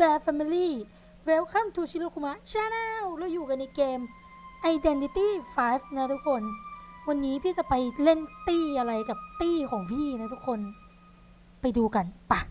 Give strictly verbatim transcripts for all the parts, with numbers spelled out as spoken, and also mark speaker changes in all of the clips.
Speaker 1: there family welcome to Shirokuma Channel เราอยู่กันในเกม Identity ไฟว์ นะทุกคนวันนี้พี่จะไปเล่นตี้อะไรกับตี้ของพี่นะทุกคนไปดูกันปะ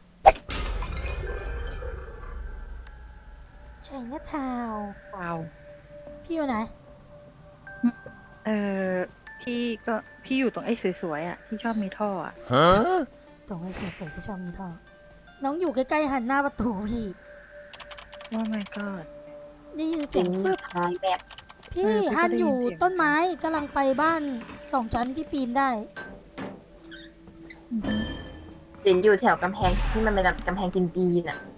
Speaker 1: Chinatown
Speaker 2: ว้าว
Speaker 1: พี่อยู่ไหน
Speaker 2: เออพี่ก็พี่อยู่ตรงไอ้สวยๆอ่ะที่ชอบมีท่ออ่ะ
Speaker 1: ตรงไอ้สวยๆที่ชอบมีท่อน้องอยู่ใกล้ๆหันหน้าประตูพี่
Speaker 2: ว่าไม่ก็
Speaker 1: ได้ยินเสียงฟึบ
Speaker 3: ทางแบบ
Speaker 1: พี่
Speaker 2: เออพี่ก็
Speaker 1: ฮัน
Speaker 2: ได้ยิน
Speaker 1: อยู่
Speaker 2: เสียง
Speaker 1: ต้นไม้กำลังไปบ้านสองชั้นที่ปีนได้
Speaker 2: อือฮึ
Speaker 3: สินอยู่แถวกำแพงที่มันเป็นแบบกำแพงจีนๆอ่ะ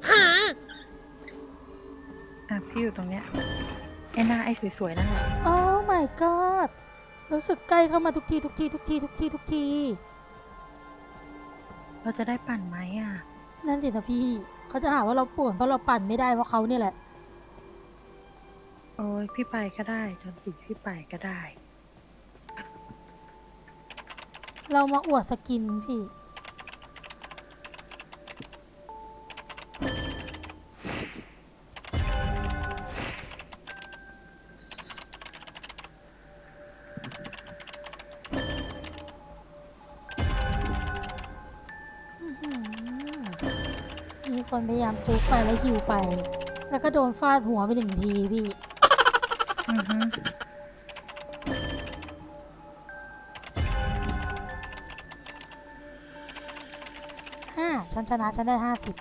Speaker 2: อ่ะพี่อยู่ตรงเนี้ยไอ้หน้าไอ้สวยๆนั่นแหละ
Speaker 1: โอ้ my god รู้สึกใกล้เข้ามาทุกทีทุกทีทุกทีทุกทีทุกที
Speaker 2: เราจะได้ปั่นไหมอ่ะ
Speaker 1: นั่นสินะพี่เขาจะหาว่าเราป่วนเพราะเราปั่นไม่ได้เพราะเขาเนี่ยแหละ
Speaker 2: โอ้ยพี่ไปก็ได้จนถึงพี่ไปก็ได้
Speaker 1: เรามาอวดสกินพี่อื้อหือมีคนพยายามจุกไปแล้วหิวไป แล้วก็โดนฟาดหัวไปหนึ่งทีพี่
Speaker 2: อือฮึ
Speaker 1: ห้าฉันชนะฉันได้ห้าสิบ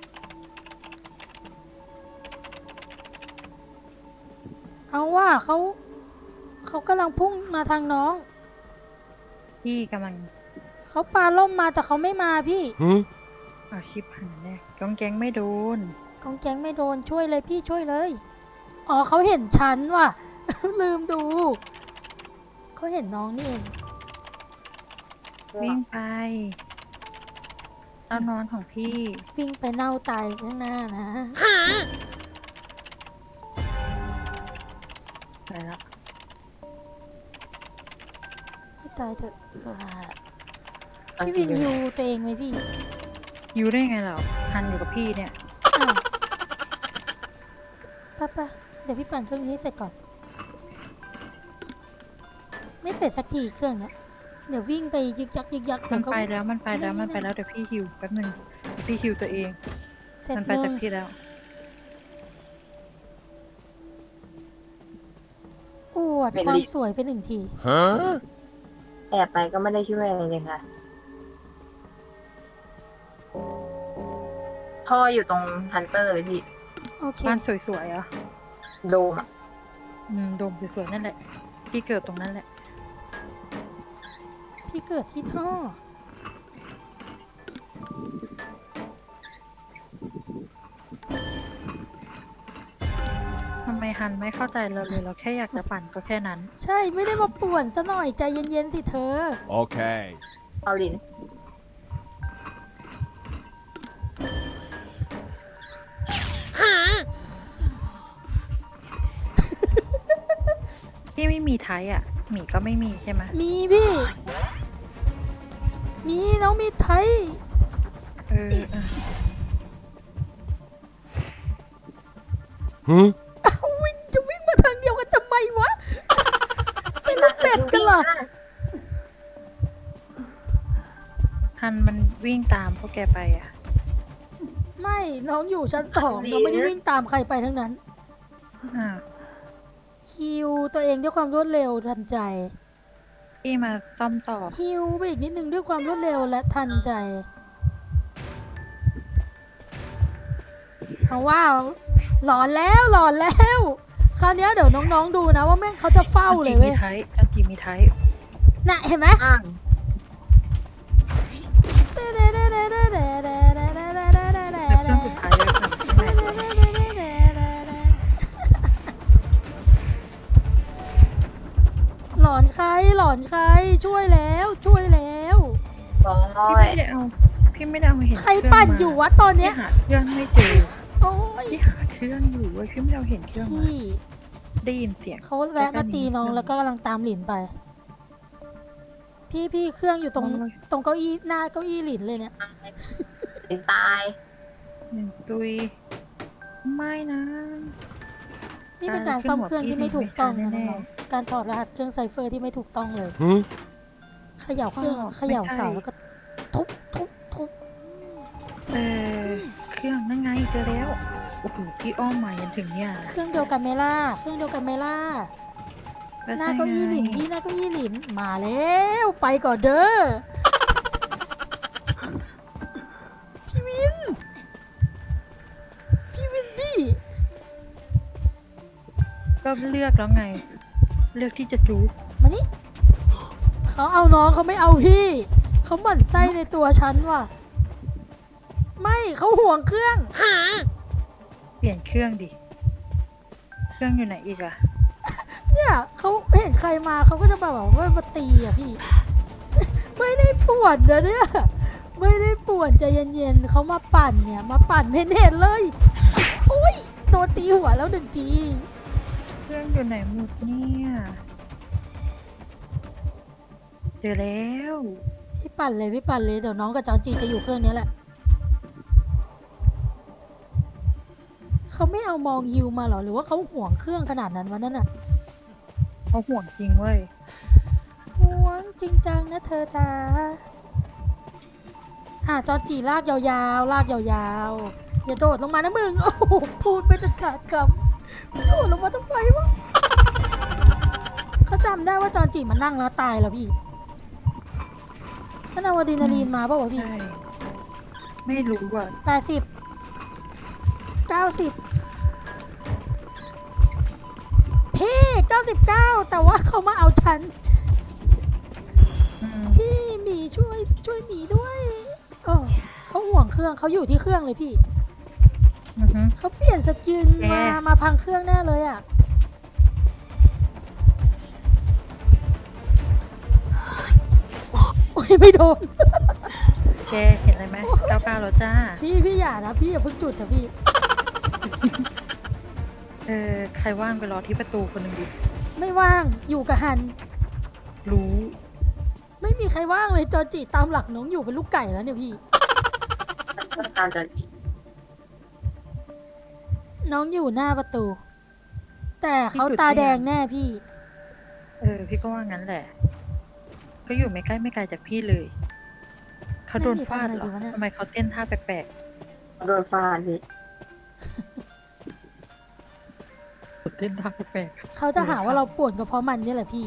Speaker 1: เอาว่าเขาเขากำลังพุ่งมาทางน้อง
Speaker 2: พี่กำลัง
Speaker 1: เขาปาล่มมาแต่เขาไม่มาพี่
Speaker 2: เอาชิปหันแน่กองแกงไม่โดน
Speaker 1: กองแก๊งไม่โดนช่วยเลยพี่ช่วยเลย อ๋อเขาเห็นฉันว่ะ ลืมดู เขาเห็นน้องนี่เอง
Speaker 2: วิ่งไปเต้านอนของพี่
Speaker 1: วิ่งไปเน่าตายข้างหน้านะ
Speaker 2: ไปแล้ว
Speaker 1: ให้ตายเถอะเออพี่วินฮิวตัวเองไหมพี่
Speaker 2: อยู่ได้ไงเราหันอยู่กับพี่เนี่ย
Speaker 1: อ้าวป่ะป่ะเดี๋ยวพี่ปั่นเครื่องนี้ให้เสร็จก่อน ไม่เสร็จสักทีเครื่องเนี้ยเดี๋ยววิ่งไปยึกยักยึกยัก
Speaker 2: มั
Speaker 1: เดี๋ย
Speaker 2: น
Speaker 1: วก็
Speaker 2: ไปแล้วมันไปแล้วมันไปแล้วเดี๋ยวพี่หิวแป๊บหนึงเดี๋ยวพี่หิวตัวเอง
Speaker 1: เสร็จ
Speaker 2: มัน
Speaker 1: ห
Speaker 2: ไป
Speaker 1: นึ่
Speaker 2: จาง กพี่แล้ว
Speaker 1: อวดความสวยไปหนึ่งที
Speaker 3: แอบไปก็ไม่ได้ช่วยอะไรเลยค่ะท่ออยู่ตรงฮันเตอร์เลยพี่
Speaker 1: โอเค
Speaker 2: บ้านสวยๆอ่ะ
Speaker 3: โดมอะ
Speaker 2: อืมโดมสวยๆนั่นแหละ พี่เกิดตรงนั้นแหละ
Speaker 1: พี่เกิดที่ท่อ
Speaker 2: ทำไมฮันไม่เข้าใจเราเลย เราแค่อยากจะปั่นก็แค่นั้น
Speaker 1: ใช่ไม่ได้มาป่วนซะหน่อยใจเย็นๆสิเธอ
Speaker 4: Okay.
Speaker 3: เอาลิน
Speaker 2: พี่ไม่มีไทยอ่ะ หมีก็ไม่มีใช่ไหม
Speaker 1: มีพี่ มีน้องมีไทย
Speaker 2: เออเออ
Speaker 4: Huh?
Speaker 1: วิ่งจะวิ่งมาทางเดียวกันทำไมวะ เป็นลูกเป็ดกันเหรอ
Speaker 2: ฮันมันวิ่งตามพวกแกไปอ่ะ
Speaker 1: ไม่น้องอยู่ชั้นสองน้องไม่ได้วิ่งตามใครไปทั้งนั้น
Speaker 2: อ่า
Speaker 1: ฮิวตัวเองด้วยความรวดเร็วทันใจ
Speaker 2: พี่มาซ่อมต่อ
Speaker 1: ฮิวไปอีกนิดนึงด้วยความรวดเร็วและทันใจ เอาว่าหลอนแล้วหลอนแล้ว คราวเนี้ยเดี๋ยวน้องๆดูนะว่าแม่งเขาจะเฝ้าเลย
Speaker 2: อั
Speaker 1: เว้
Speaker 2: น
Speaker 1: ย
Speaker 2: มีไทยอันจีมีไทย
Speaker 1: น่ะเห็นไหม
Speaker 3: อ้าง
Speaker 2: แล้วเครื่องสุดท้ายเลยค่ะ
Speaker 1: หลอนใครหลอนใครช่วยแล้วช่วยแล้ว
Speaker 3: บอ
Speaker 2: พี่
Speaker 3: ย
Speaker 2: ไม่ได้เอา พี่ไม่ได้เอามาเห็น
Speaker 1: ใครปั่นอยู่วะตอน
Speaker 2: พี่
Speaker 1: เนี้ย
Speaker 2: หาเครื่องไม่เจอ
Speaker 1: โอ้ย
Speaker 2: พี่หาเครื่องอยู่เว้ยพี่ไม่ได้เอาเห็นเครื่องมา
Speaker 1: พี่
Speaker 2: ได้ยินเสียง
Speaker 1: เขาแวะมาตีน้องแล้วก็กำลังตามหลินไป พี่พี่เครื่องอยู่ตรงตรงเก้าอี้หน้าเก้าอี้หลินเลยเนี่ย
Speaker 3: เป็นตาย
Speaker 2: หนึ่งตุยไม่นะ
Speaker 1: นี่เป็นการซ่อมเครื่องที่ไม่ถูกต้องนะน้องๆการถอดรหัสเครื่องไซเฟอร์ที่ไม่ถูกต้องเลย เขย่าเครื่องเขย่าเสาแล้วก็ทุบทุบทุบ
Speaker 2: เออเครื่องนั่นไงเจอแล้วโอ้โหพี่อ้อมมายันถึงเนี่ย
Speaker 1: เครื่องเดียวกันไหมล่ะเครื่องเดียวกันไหมล่ะ
Speaker 2: แล้ว
Speaker 1: หน้า
Speaker 2: ใช่
Speaker 1: เก้าอี้หลิน
Speaker 2: ไง
Speaker 1: พี่หน้าเก้าอี้หลินมาแล้วไปก่อนเด้อพี่วินพี่วินพี่
Speaker 2: ก็เลือกแล้วไง เลือกที่จะจูบ
Speaker 1: มานี่เขาเอาน้องเขาไม่เอาพี่เขาหมั่นไส้ในตัวฉันว่ะไม่เขาห่วงเครื่อง
Speaker 2: เปลี่ยนเครื่องดิเครื่องอยู่ไหนอีกอะ
Speaker 1: เนี่ยเขาเห็นใครมาเขาก็จะมาแบบว่ามาตีอ่ะพี่ ไม่ได้ป่วนนะเนี่ยไม่ได้ป่วนใจเย็นๆเขามาปั่นเนี่ยมาปั่นเห็นๆเลยโอ้ยโดนตีหัวแล้วหนึ่งที
Speaker 2: เครื่องอยู่ไหนหมดเนี่ยเจอแล้ว
Speaker 1: พี่ปั่นเลยพี่ปั่นเลยเดี๋ยวน้องกับจอนจีจะอยู่เครื่องนี้แหละเขาไม่เอามองยิวมาเหรอหรือว่าเขาห่วงเครื่องขนาดนั้นวะนั่นน่ะ
Speaker 2: เขาห่วงจริงเว้ย
Speaker 1: ห่วงจริงจังนะเธอจ้าอ่ะจอนจีลากยาวๆลากยาวๆอย่าโดดลงมานะมึงโอ้โหพูดไปตัดขาดคำโดดลงมาทำไมวะเขาจำได้ว่าจอนจีมันนั่งแล้วตายแล้วพี่นั่นเอาอะดรีนาลีนมาเปล่าวะพี่
Speaker 2: ใช่ไม่รู้อ่ะ
Speaker 1: แปดสิบเก้าสิบพี่เก้าสิบเก้าแต่ว่าเขามาเอาฉัน
Speaker 2: อืม
Speaker 1: พี่หมีช่วยช่วยหมีด้วยเออเขาห่วงเครื่องเขาอยู่ที่เครื่องเลยพี่
Speaker 2: อือฮึ
Speaker 1: เขาเปลี่ยนสกิน
Speaker 2: แก
Speaker 1: มามาพังเครื่องแน่เลยอ่ะโอ้ยไม่โดน
Speaker 2: แกเห็นอะไรไหมเก้าเก้าแล้วจ้า
Speaker 1: พี่พี่อย่านะพี่อย่าเพิ่งจุดนะพี่
Speaker 2: เออใครว่างไปรอที่ประตูคนหนึ่งดิ
Speaker 1: ไม่ว่างอยู่กับฮัน
Speaker 2: รู้
Speaker 1: ไม่มีใครว่างเลยจอจิตามหลักน้องอยู่เป็นลูกไก่แล้วเนี่ยพี่
Speaker 3: ต้องการจะ
Speaker 1: น้องอยู่หน้าประตู แต่เขาตาแดงแน่พี่
Speaker 2: เออพี่ก็ว่างั้นแหละ ก็อยู่ไม่ใกล้ไม่ไกลจากพี่เลยเขาโดนฟาดเหรอ
Speaker 1: นั่นดิทำไงดีวะเนี่ย
Speaker 2: ทำไมเขาเต้นท่าแปลก
Speaker 3: โดนฟาดพี่
Speaker 2: ๆเต้นท่าแปลก
Speaker 1: เขาจะหาว่าเราป่วนก็เพราะมันนี่แหละพี่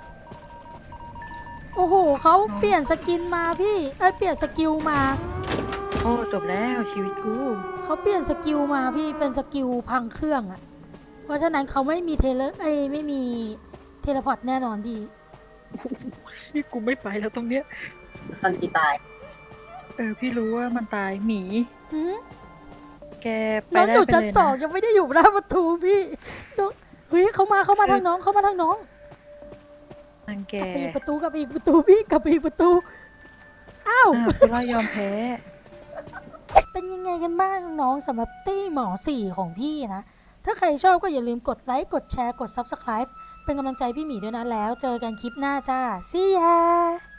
Speaker 1: โอ้โหเขาเปลี่ยนสกินมาพี่เอ้ยเปลี่ยนสกิลมา
Speaker 2: ๆโอ้จบแล้วชีวิตกู
Speaker 1: เขาเปลี่ยนสกิลมาพี่เป็นสกิลพังเครื่องอะเพราะฉะนั้นเขาไม่มีเทเลเอ้ยไม่มีเทเลพอร์ตแน่นอนพี่
Speaker 2: นี่กูไม่ไปแล้วตรงเนี้ย
Speaker 3: ตอนจีตาย
Speaker 2: เออพี่รู้ว่ามันตายหมี
Speaker 1: หืม
Speaker 2: แกไป
Speaker 1: น้อง
Speaker 2: ได้
Speaker 1: อยู่
Speaker 2: ไป
Speaker 1: ชั้น
Speaker 2: เลย
Speaker 1: สอง
Speaker 2: นะ
Speaker 1: ยังไม่ได้อยู่หน้าประตูพี่น้องเฮ้ยเขามาเขามาทางน้องเขามาทางน้อง
Speaker 2: นางแก
Speaker 1: กลับไปอีกประตูกลับไปอีกประตูพี่กลับไปอีกประตูอ้าว
Speaker 2: อ้าวพี่ว่ายอมแพ้
Speaker 1: เป็นยังไงกันบ้างน้องสำหรับตี้หมอสี่ของพี่นะ ถ้าใครชอบก็อย่าลืมกดไลค์กดแชร์กด ซับสไครบ์ เป็นกำลังใจพี่หมีด้วยนะแล้วเจอกันคลิปหน้าจ้า see ya